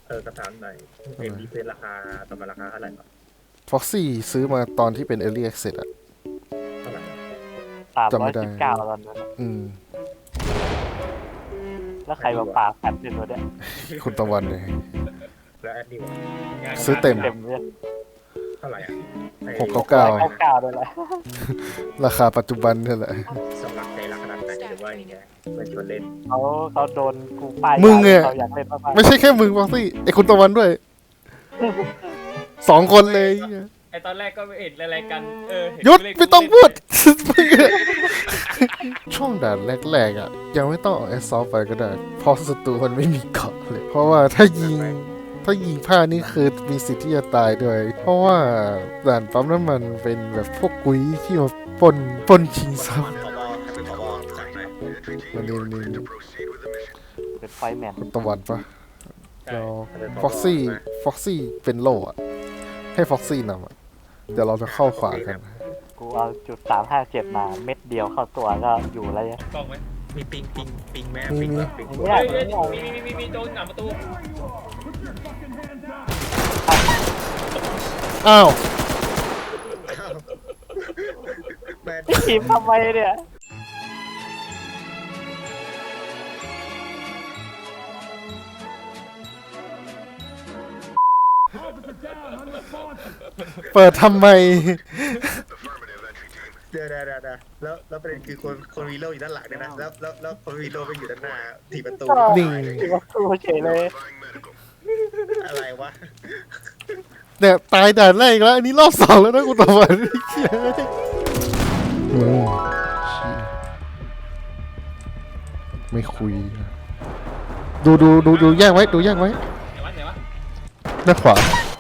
กระถางหน่อยเอ็มดีเพนราคาประมาณราคาเท่าไหร่ครับฟ็อกซี่ซื้อมาตอนที่เป็น Early Access อะเท่าไหร่จำไม่ได้ 319ตอนนั้นอืมแล้วใครมาปาแผ่นเป็นตัวเนี้ยคุณตะวันเลยแล้วแอดดิวซื้อเต็มเต็มเลยเท่าไหร่อ่ะ 699ด้วยแหละราคาปัจจุบันนี่แหละสำหรับใจรักขนาดไหนหรือว่าอย่างเงี้ยเพื่อนชวนเล่นเขาโดนกูป้ายมึงอะเขาอยากเล่นมากไม่ใช่แค่มึงฟ็อกซี่ไอคุณตะวันด้วย 2 คนเลยไอตอนแรกก็ไม่เห็นอะไรกันเห็นหยุดเล่นไม่ต้องพูด ช่วงด่านแรกๆอ่ะ ยังไม่ต้องเอาแอสซอลไปก็ได้เพราะศัตรูมันไม่มีเกราะเลย เพราะว่าถ้ายิงพลาดนี่คือมีสิทธิ์ที่จะตายด้วย เพราะว่าด่านปั๊มน้ำมันเป็นแบบพวกกุ้ยที่มาปล้นชิงทรัพย์ผบเป็นผบสั่งหน่อยมาเรียนๆเป็นไฟแมนคุณตะวันปะแล้วฟ็อกซี่เป็นโล่อะให้ฟ็อกซี่นำอะเดี๋ยวเราจะเข้าขวากันกูเอาจุด357มาเม็ดเดียวเข้าตัวก็อยู่แล้วเนี่ยกล้องไหมมีปิงแม่มีปิงเนี่ยมีโดนหนามประตูอ้าวแม่พี่ขีมทำไมเนี่ยเปิดทำไมเดี๋ยวแล้วประเด็นคือคนวีโรอยู่ด้านหลังเนี่ยนะแล้วคนวีโรไปอยู่ด้านหน้าถีบประตูนิ่งที่ว่าสู้เฉยเลยอะไรวะเนี่ยตายด่านแรกอีกแล้ว อันนี้รอบ 2แล้วนะคุณตะวันเชี่ยไม่คุย ดูแยกไว้ไหนวะด้านขวา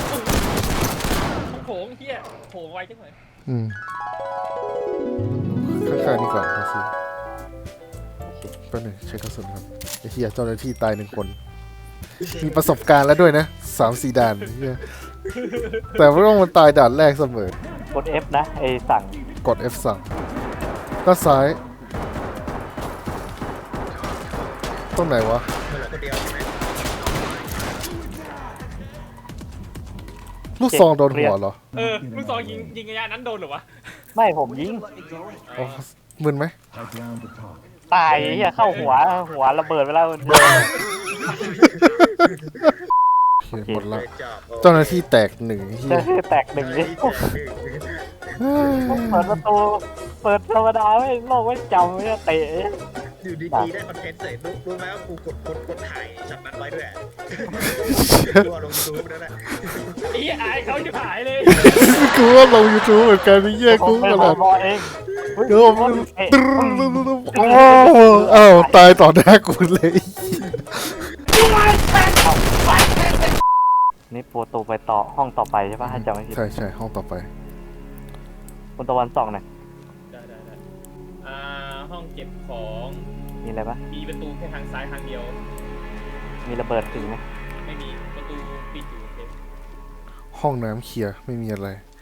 โผงเฮียโผงไวจังเลยอืมข้างๆนี่ก่อนครับสิแป๊บหนึงใช้กระสุนครับไอ้เหี้ยเจ้าหน้าที่ตาย1 คน มีประสบการณ์แล้วด้วยนะ 3-4 ด่านเหี้ยแต่ว่าต้องมันตายด่านแรกเสมอกด F นะไอสั่งกด F สั่งด้านซ้ายตรงไหนวะมันเหลือคนเดียวใช่ไหมลูกซองโดนหัวเหรอลูกซองยิงระยะนั้นโดนหรอวะไม่ผมยิงอ๋อมึนไหมตายเฮียเข้าหัวระเบิดไปแล้วโอเคหมดละจอบเจ้าหน้าที่แตก1เหี้ยแตกหนึ่งนี่เปิดประตูเปิดธรรมดาไม่โลกไม่จำไม่เตะอยู่ดีๆได้คอนเทนต์เสร็จรู้ไหมว่ากูกดถ่ายช็อตนั้นไว้ด้วยตัวลงยูทูบนั่นแหละไอ้อายเขาจะหายเลยกูว่าลง YouTube เหมือนกันนี่แย่กูผมเป็นขนาดบอเองเดี๋ยวมันโอ้อ้าวตายต่อหน้ากูเลยนี่โปรตูไปต่อห้องต่อไปใช่ปะถ้าจำไม่ผิดใช่ห้องต่อไปคุณตะวันส่องหน่อยได้ห้องเก็บของมีอะไรปะมีประตูแค่ทางซ้ายทางเดียวมีระเบิดถึงไหมไม่มีประตูปิดอยู่โอเคห้องน้ำเคลียร์ไม่มีอะไร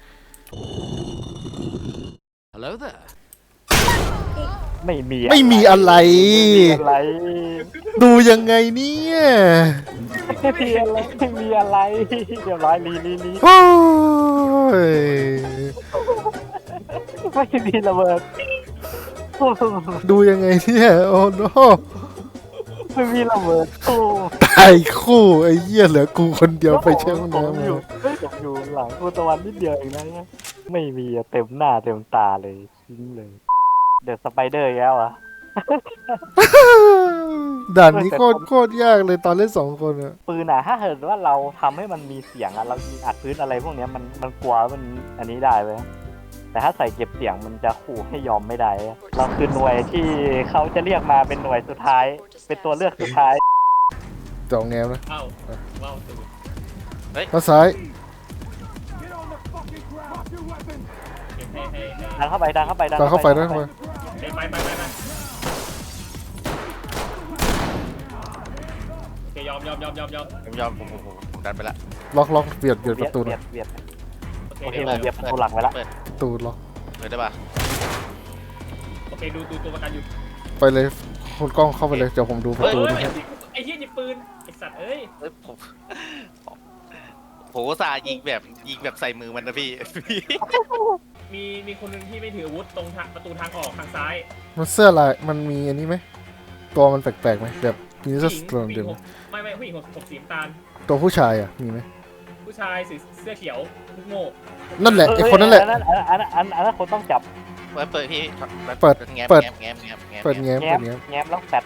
Hello there. ไม่มีไม่มีอะไรอะไรดูยังไงเนี่ยไม่มีอะไรไม่มีอะไรเรียบร้อยลีโอ้ยไม่มีระเบิดดูยังไงเนี่ยโอ้โนไม่มีระเบิดตู้ตายคู่ไอ้เหี้ยเหลือกูคนเดียวไปเช่ห้องผมน้ำอยู่ผมอยู่หลังคุณตะวันนิดเดียวเองนะไม่มีอะเต็มหน้าเต็มตาเลยทิ้งเลยเดอะสไปเดอร์แล้วอ่ะด่านนี้โคตรยากเลยตอนเล่น2 คนอะปืนอะถ้าเกิดว่าเราทำให้มันมีเสียงอะเรายิงอัดพื้นอะไรพวกเนี้ยมันกลัวมันอันนี้ได้เว้ยแต่ถ้าใส่เก็บเสียงมันจะขู่ให้ยอมไม่ได้อะเราคือหน่วยที่เขาจะเรียกมาเป็นหน่วยสุดท้าย เป็นตัวเลือกสุดท้ายจองแงมนะเอ้าว้าวตูด้านซ้ายให้ดันเข้าไปดันเข้าไปตามเข้าไปนะไปโอเคยอมผมยอมผมดันไปละล็อกเบียดประตูหเบีน่ยอยดเบียดโอเคโอเคเดี๋ยวผมเบียดประตูหลักไว้ละเปิดประตูล็อกเปิดได้ป่ะโอเคดูตัวประกันอยู่ไปเลยคุณกล้องเข้าไปเลยเดี๋ยวผมดูประตูเฮ้ยนะไอ้เหี้ยหยิบปืนไอ้สัตว์เอ้ยเอ้ยผมอุตส่าห์ยิงแบบใส่มือมันนะพี่มีคนหนึงที่ไม่ถืออาวุธตรงทางประตูทางออกทางซ้ายมันเสื้อลายมันมีอันนี้ไหมตัวมันแปลกๆไหมแบบมีเสื้อสโตรมเดิมไม่ผู้หญิงผมสีน้ำตาลตัวผู้ชายอ่ะมีไหมผู้ชายเสื้อเขียวลูกโม่นั่นแหละไอคนนั่นแหละอันนั้นคนต้องจับเปิดพี่เปิดแง้มเปิดแง้มแง้มแง้มเปิดแง้มแง้เปิมดแง้มแง้มแล้วแปด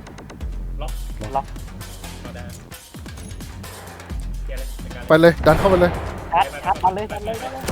เอาได้เกียร์เลยในการไปเลยดันเข้าไปเลยชัดมาเลยชัดเลย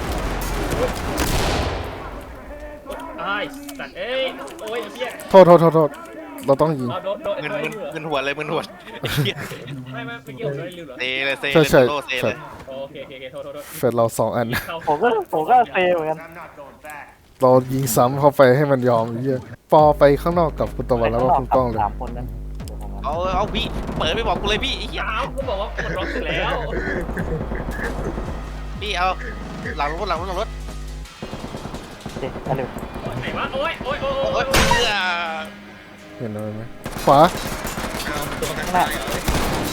ไอ้สัตว์เอ้ยโอ้ยไอ้เหี้ยโทษเราต้องยิงเอาโดนมึนไอ้ตัวมึนหัวเลยมึนหัวไม่เมื่อกี้ผมโดนลืมเหรอเซเลยเซใช่เลยโลเซเลยโอเคโทษเฟดเรา2 อันเข้าผมก็เซเหมือนกันเรายิงซ้ำเข้าไปให้มันยอมไอ้เหี้ยปอไปข้างนอกกับคุณตะวันแล้วก็คุณกล้องเลย 3 คนนั้นเอาพี่เปิดไม่บอกกูเลยพี่ไอ้เหี้ยอ้าวก็บอกว่าปลดล็อกเสร็จแล้วพี่เอาหลังรถโอเคอันนี้ไหนวะโอ้ยโอ๊ยเห็นอะไรไหมขวาเอาตัวประกันตายเหรอ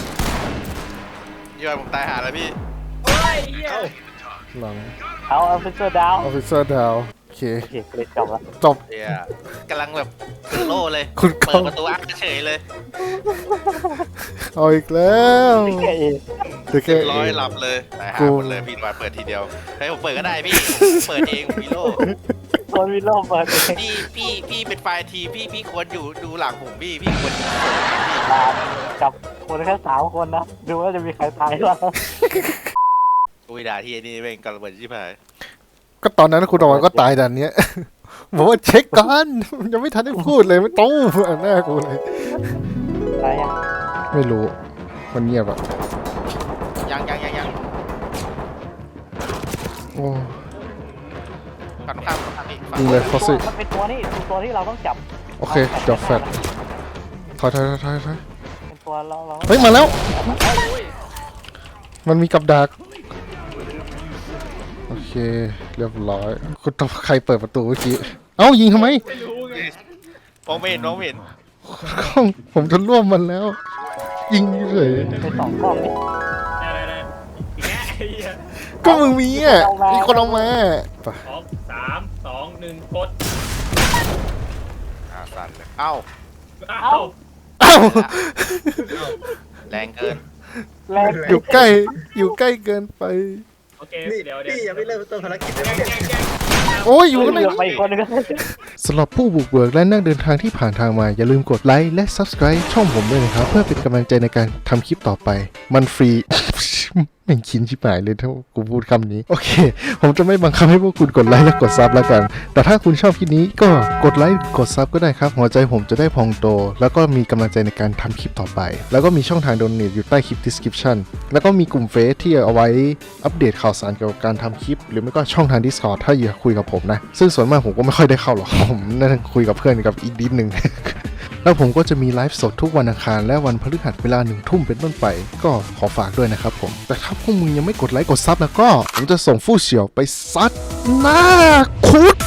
ยอดผมตายหาแล้วพี่โอ้ยเหี้ยเอ้าหลังเอาเฟเซอร์ดาวออฟฟิเซอร์ดาวโอเคโอเคเลยจบแล้วจบเฮียกำลังแบบโล่เลยคุณกเปิล้อดงประตูอักเฉยเลยเอาอีกแล้วแค่เอเดี๋ยวแค่ร้อยหลับเลยตายหาหมดเลยพี่มาเปิดทีเดียวให้ผมเปิดก็ได้พี่ผมเปิดเองผมมีโล่คนวิโรจน์เปิดเองพี่เป็นไฟล์ทีพี่ควรอยู่ดูหลังผมพี่ควรกับคนแค่3 คนนะดูว่าจะมีใครตายบ้างอุ้ยด่าที่นี่เป็นกระเบิดชิบหายก็ตอนนั้นคุณตะวันก็ตายดันเนี้ย บอกว่าเช็คก่อนยังไม่ทันได้พูดเลยไม่ตู้อันหน้ากูเลยตายยังไม่รู้มันเงียบอะยังโอ้ฝั่งข้ามพี่ฝั่งยิงเลยฟอสซี่มันเป็นตัวที่เราต้องจับโอเคจบแฟดถอยเป็นตัวเราเฮ้ยมาแล้ว มันมีกับดักโอเคเรียบร้อยคุณต้องใครเปิดประตูเมื่อกี้เอ้ายิงทำไมไม่รู้ไงมองไม่เห็นกล้องผมจะร่วมมันแล้ว ยิงเลยไป2 กล้องนี่ได้อีกแง่ไอ้เหี้ยก็มึงมีอ่ะมีคนเอามาไป 3 2 1กดสั่นเลยเอ้าอ้าวเอ้าแรงเกินแรงอยู่ใกล้เกินไปโอเคนี่เดี๋ยวพี่ยังไม่เริ่มต้นภารกิจเลยแกเนี่ยโอ้ยอยู่ข้างในเหลือไปอีกคนนึงก็สำหรับผู้บุกเบิกและนักเดินทางที่ผ่านทางมา อย่าลืมกดไลค์และ Subscribe ช่องผมด้วยนะครับ เพื่อเป็นกำลังใจในการทำคลิปต่อไป มันฟรี แม่งคินชิบหายเลยถ้ากูพูดคำนี้ โอเค ผมจะไม่บังคับให้พวกคุณกดไลค์และกดซับแล้วกัน แต่ถ้าคุณชอบคลิปนี้ก็กดไลค์กดซับก็ได้ครับ หัวใจผมจะได้พองโต แล้วก็มีกำลังใจในการทำคลิปต่อไป แล้วก็มีช่องทางโดเนทอยู่ใต้คลิป description แล้วก็มีกลุ่มเฟซที่เอาไว้อัปเดตข่าวสารเกี่ยวกับการทำคลิป หรือไม่ก็ช่องทาง Discord ถ้าอยากคุยกับผมนะ ซึ่งส่วนมากผมก็ไม่ค่อยได้เข้าหรอก ผมนั่งคุยกับเพื่อนกับอีกนิดหนึ่ง แล้วผมก็จะมีไลฟ์สดทุกวันอังคารและวันพฤหัสเวลา1 ทุ่มเป็นต้นไป ก็ขอฝากด้วยนะครับผม แต่ถ้าพวกมึงยังไม่กดไลค์กดซับแล้วก็ผมจะส่งฟู่เฉียวไปซัดหน้าคุด